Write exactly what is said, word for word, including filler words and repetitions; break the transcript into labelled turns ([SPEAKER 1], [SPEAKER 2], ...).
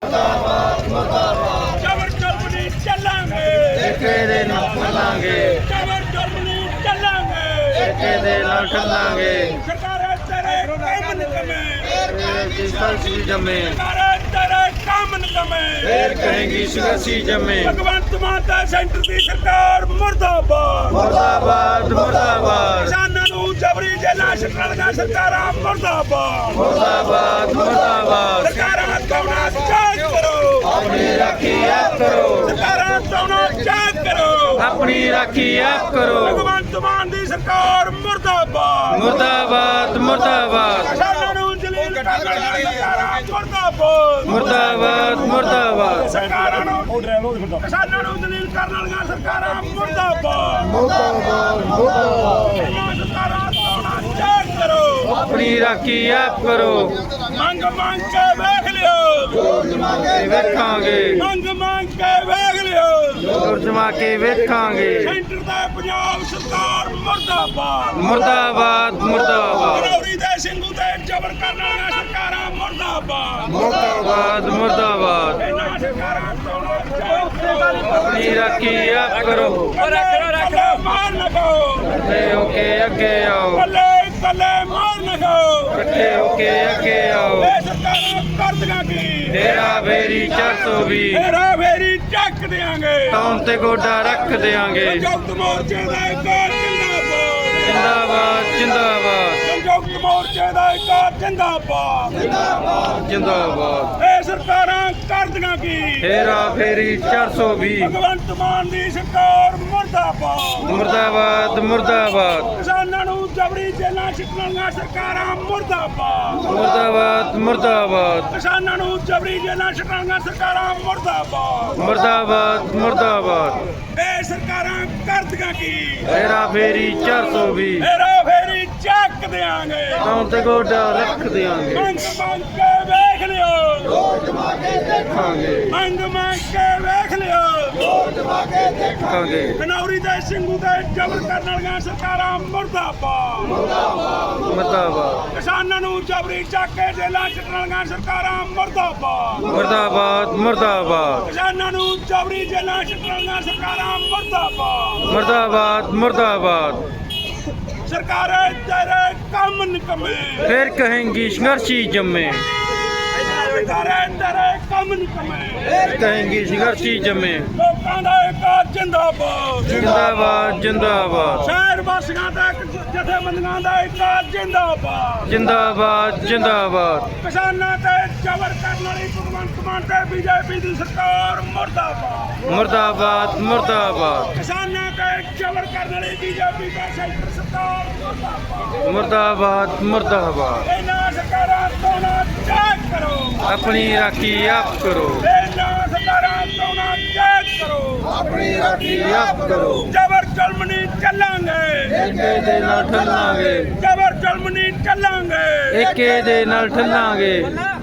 [SPEAKER 1] ਜ਼ਬਰ ਜ਼ੁਲਮ ਨਹੀਂ ਚੱਲਾਂਗੇ,
[SPEAKER 2] ਏਕੇ ਦੇ ਨਾਲ ਚੱਲਾਂਗੇ,
[SPEAKER 1] ਜ਼ਬਰ ਜ਼ੁਲਮ ਨਹੀਂ ਚੱਲਾਂਗੇ।
[SPEAKER 2] ਏਕੇ ਦੇ ਨਾਲ ਚੱਲਾਂਗੇ।
[SPEAKER 1] ਸਰਕਾਰਾਂ ਤੇਰੇ ਕੰਮ ਨਿਕਮੇ,
[SPEAKER 2] ਕਹੇਗੀ ਸੰਘਰਸ਼ੀ ਜੰਮੇ,
[SPEAKER 1] ਸਰਕਾਰਾਂ ਤੇਰੇ ਕੰਮ ਨਿਕਮੇ।
[SPEAKER 2] ਫੇਰ ਕਹੇਗੀ ਸੰਘਰਸ਼ੀ ਜੰਮੇ।
[SPEAKER 1] ਭਗਵੰਤ ਮਾਨ ਦਾ ਸੈਂਟਰ ਦੀ ਸਰਕਾਰ ਮੁਰਦਾਬਾਦ,
[SPEAKER 2] ਮੁਰਦਾਬਾਦ ਮੁਰਦਾਬਾਦ
[SPEAKER 1] ਕਿਸਾਨਾਂ ਨੂੰ ਜਬਰੀ ਜੇਲਾਂ ਛੱਡਣੀਆਂ ਸਰਕਾਰਾਂ ਮੁਰਦਾਬਾਦ,
[SPEAKER 2] ਮੁਰਦਾਬਾਦ ਮੁਰਦਾਬਾਦ।
[SPEAKER 1] ਸਰਕਾਰਾਂ ਕੌਣਾ ਜਾਂਚ ਕਰੋ,
[SPEAKER 2] ਆਪਣੀ ਰਾਖੀ ਆਪ ਕਰੋ,
[SPEAKER 1] ਸਰਕਾਰਾਂ ਕੌਣਾ ਜਾਂਚ ਕਰੋ।
[SPEAKER 2] ਆਪਣੀ ਰਾਖੀ ਆਪ ਕਰੋ।
[SPEAKER 1] ਭਗਵੰਤ ਮਾਨ ਦੀ ਸਰਕਾਰ ਮੁਰਦਾਬਾਦ,
[SPEAKER 2] ਮੁਰਦਾਬਾਦ ਮੁਰਦਾਬਾਦ
[SPEAKER 1] ਕਿਸਾਨਾਂ ਨੂੰ ਜਲੀਲ ਕਰਨ ਵਾਲੀਆਂ ਸਰਕਾਰਾਂ ਮੁਰਦਾਬਾਦ,
[SPEAKER 2] ਮੁਰਦਾਬਾਦ ਮੁਰਦਾਬਾਦ
[SPEAKER 1] ਸਰਕਾਰਾਂ ਨੂੰ ਕਿਸਾਨਾਂ ਨੂੰ ਜਲੀਲ ਕਰਨ ਵਾਲੀਆਂ ਸਰਕਾਰਾਂ ਮੁਰਦਾਬਾਦ,
[SPEAKER 2] ਮੁਰਦਾਬਾਦ ਮੁਰਦਾਬਾਦ।
[SPEAKER 1] ਇਹਨਾਂ ਸਰਕਾਰਾਂ ਕੌਣਾ ਜਾਂਚ ਕਰੋ।
[SPEAKER 2] ਆਪਣੀ ਰਾਖੀ ਆਪ ਕਰੋ।
[SPEAKER 1] ਮੰਗ ਮੰਗ ਕੇ ਵੇਖ ਲਿਓ,
[SPEAKER 2] ਵੇਖਾਂਗੇ,
[SPEAKER 1] ਮੰਗ ਮੰਗ ਕੇ ਵੇਖ ਲਿਓ।
[SPEAKER 2] ਜ਼ੋਰ ਜਮਾ ਕੇ ਵੇਖਾਂਗੇ।
[SPEAKER 1] ਸੈਂਟਰ ਦਾ ਪੰਜਾਬ ਸਰਕਾਰ ਮੁਰਦਾਬਾਦ,
[SPEAKER 2] ਮੁਰਦਾਬਾਦ ਮੁਰਦਾਬਾਦ
[SPEAKER 1] ਗਨੌਰੀ ਦੇ ਸਿੰਘੂ ਤੇ ਜ਼ਬਰ ਕਰਨ ਵਾਲੀਆਂ ਸਰਕਾਰਾਂ ਮੁਰਦਾਬਾਦ,
[SPEAKER 2] ਮੁਰਦਾਬਾਦ ਮੁਰਦਾਬਾਦ।
[SPEAKER 1] ਇਹਨਾਂ ਸਰਕਾਰਾਂ ਕੌਣਾ ਜਾਂਚ ਕਰੋ।
[SPEAKER 2] ਆਪਣੀ ਰਾਖੀ ਆਪ ਕਰੋ।
[SPEAKER 1] ਕੱਲੇ ਕੱਲੇ ਮਾਰ ਨਾ ਖਾਓ,
[SPEAKER 2] ਇਕੱਠੇ ਹੋ ਕੇ ਅੱਗੇ ਆਓ,
[SPEAKER 1] ਕੱਲੇ ਕੱਲੇ ਮਾਰ ਨਾ ਖਾਓ।
[SPEAKER 2] ਇਕੱਠੇ ਹੋ ਕੇ ਅੱਗੇ ਆਓ।
[SPEAKER 1] ਇਹ ਸਰਕਾਰਾਂ ਕਰਦੀਆਂ ਕੀ,
[SPEAKER 2] ਤੇਰਾ ਫੇਰੀ ਚਾਰ ਸੌ ਵੀਹ,
[SPEAKER 1] ਤੇਰਾ ਫੇਰੀ ਚੱਕ ਦਿਆਂਗੇ।
[SPEAKER 2] ਤੌਣ ਤੇ ਗੋਡਾ ਰੱਖ ਦਿਆਂਗੇ।
[SPEAKER 1] ਸੰਯੁਕਤ ਮੋਰਚੇ ਦਾ ਇਕਾਰ ਜਿੰਦਾਬਾਦ,
[SPEAKER 2] ਜਿੰਦਾਬਾਦ ਜਿੰਦਾਬਾਦ
[SPEAKER 1] ਸੰਯੁਕਤ ਮੋਰਚੇ ਦਾ ਇਕਾਰ ਜਿੰਦਾਬਾਦ।
[SPEAKER 2] ਜਿੰਦਾਬਾਦ।
[SPEAKER 1] ਇਹ ਸਰਕਾਰਾਂ ਕਰਦੀਆਂ ਕੀ,
[SPEAKER 2] ਤੇਰਾ ਫੇਰੀ ਚਾਰ ਸੌ ਵੀਹ,
[SPEAKER 1] ਭਗਵੰਤ ਮਾਨ ਦੀ ਸਰਕਾਰ ਮੁਰਦਾਬਾਦ,
[SPEAKER 2] ਮੁਰਦਾਬਾਦ ਮੁਰਦਾਬਾਦ
[SPEAKER 1] ਕਿਸਾਨਾਂ ਨੂੰ ਜਬਰੀ ਜੇਲਾਂ ਛੱਡਣੀਆਂ ਸਰਕਾਰਾਂ ਮੁਰਦਾਬਾਦ,
[SPEAKER 2] ਮੁਰਦਾਬਾਦ ਮੁਰਦਾਬਾਦ
[SPEAKER 1] ਕਿਸਾਨਾਂ ਨੂੰ ਜਬਰੀ ਜੇਲਾਂ ਛੱਡਣੀਆਂ ਸਰਕਾਰਾਂ ਮੁਰਦਾਬਾਦ।
[SPEAKER 2] ਮੁਰਦਾਬਾਦ ਮੁਰਦਾਬਾਦ।
[SPEAKER 1] ਇਹ ਸਰਕਾਰਾਂ ਕਰਦੀਆਂ ਕੀ,
[SPEAKER 2] ਤੇਰਾ ਫੇਰੀ ਚਾਰ ਸੌ ਵੀਹ,
[SPEAKER 1] ਮੇਰਾ ਫੇਰੀ ਚੱਕ ਦਿਆਂਗੇ।
[SPEAKER 2] ਤੌਣ ਤੇ ਗੋਡਾ ਰੱਖ ਦਿਆਂਗੇ।
[SPEAKER 1] ਮੰਗ ਮੰਗ ਕੇ ਵੇਖ ਲਿਓ,
[SPEAKER 2] ਦੇਖਾਂਗੇ
[SPEAKER 1] ਮੰਗ ਮੰਗ ਕੇ ਵੇਖ ਲਿਓ।
[SPEAKER 2] ਦੇਖਾਂਗੇ।
[SPEAKER 1] ਗਨੌਰੀ ਦੇ ਸਿੰਘੂ ਤੇ ਜ਼ਬਰ ਕਰਨ ਵਾਲੀਆਂ ਸਰਕਾਰਾਂ ਮੁਰਦਾਬਾਦ,
[SPEAKER 2] ਮੁਰਦਾਬਾਦ
[SPEAKER 1] ਕਿਸਾਨਾਂ ਨੂੰ ਜਬਰੀ ਚੱਕ ਕੇ ਜੇਲਾਂ ਛੱਡਣ ਵਾਲੀਆਂ ਸਰਕਾਰਾਂ ਮੁਰਦਾਬਾਦ,
[SPEAKER 2] ਮੁਰਦਾਬਾਦ ਮੁਰਦਾਬਾਦ
[SPEAKER 1] ਕਿਸਾਨਾਂ ਨੂੰ ਜਬਰੀ ਜੇਲਾਂ ਛੱਡਣ ਵਾਲੀਆਂ ਸਰਕਾਰਾਂ ਮੁਰਦਾਬਾਦ।
[SPEAKER 2] ਮੁਰਦਾਬਾਦ ਮੁਰਦਾਬਾਦ।
[SPEAKER 1] ਸਰਕਾਰਾਂ ਤੇਰੇ ਕੰਮ ਨਿਕਮੇ,
[SPEAKER 2] ਫਿਰ ਕਹੇਂਗੀ ਸੰਘਰਸ਼ੀ ਜੰਮੇ,
[SPEAKER 1] ਸਰਕਾਰਾਂ ਤੇਰੇ ਕੰਮ ਨਿਕਮੇ।
[SPEAKER 2] ਕਹੇਂਗੀ ਸੰਘਰਸ਼ੀ ਜੰਮੇ।
[SPEAKER 1] ਲੋਕਾਂ ਦਾ ਇਕਾਤ ਜਿੰਦਾਬਾਦ,
[SPEAKER 2] ਜਿੰਦਾਬਾਦ ਜਿੰਦਾਬਾਦ
[SPEAKER 1] ਸ਼ਹਿਰ ਵਾਸੀਆਂ ਦਾ ਜਥੇਬੰਦੀਆਂ ਦਾ ਇਕਾਤ ਜਿੰਦਾਬਾਦ।
[SPEAKER 2] ਜਿੰਦਾਬਾਦ ਜਿੰਦਾਬਾਦ
[SPEAKER 1] ਕਿਸਾਨਾਂ ਤੇ ਜ਼ਬਰ ਕਰਨ ਵਾਲੀ ਭਗਵੰਤ ਮਾਨ ਤੇ ਬੀਜੇਪੀ ਦੀ ਸਰਕਾਰ ਮੁਰਦਾਬਾਦ,
[SPEAKER 2] ਮੁਰਦਾਬਾਦ ਮੁਰਦਾਬਾਦ
[SPEAKER 1] ਕਿਸਾਨਾਂ ਤੇ ਜ਼ਬਰ ਕਰਨ ਵਾਲੀ ਬੀਜੇਪੀ ਦਾ ਸੈਂਟਰ ਸਰਕਾਰ ਮੁਰਦਾਬਾਦ।
[SPEAKER 2] ਮੁਰਦਾਬਾਦ ਮੁਰਦਾਬਾਦ।
[SPEAKER 1] ਇਹਨਾਂ ਸਰਕਾਰਾਂ ਤੋਂ ਨਾ ਜਾਂਚ ਕਰੋ,
[SPEAKER 2] ਆਪਣੀ ਰਾਖੀ ਆਪ ਕਰੋ,
[SPEAKER 1] ਇਹਨਾਂ ਸਰਕਾਰਾਂ ਤੋਂ ਨਾ ਜਾਂਚ ਕਰੋ।
[SPEAKER 2] ਆਪਣੀ ਰਾਖੀ ਆਪ ਕਰੋ।
[SPEAKER 1] ਜ਼ਬਰ ਜ਼ੁਲਮ ਨਹੀਂ ਚੱਲਾਂਗੇ,
[SPEAKER 2] ਏਕੇ ਦੇ ਨਾਲ ਠੱਲਾਂਗੇ,
[SPEAKER 1] ਜ਼ਬਰ ਜ਼ੁਲਮ ਨਹੀਂ ਚੱਲਾਂਗੇ।
[SPEAKER 2] ਏਕੇ ਦੇ ਨਾਲ ਠੱਲਾਂਗੇ।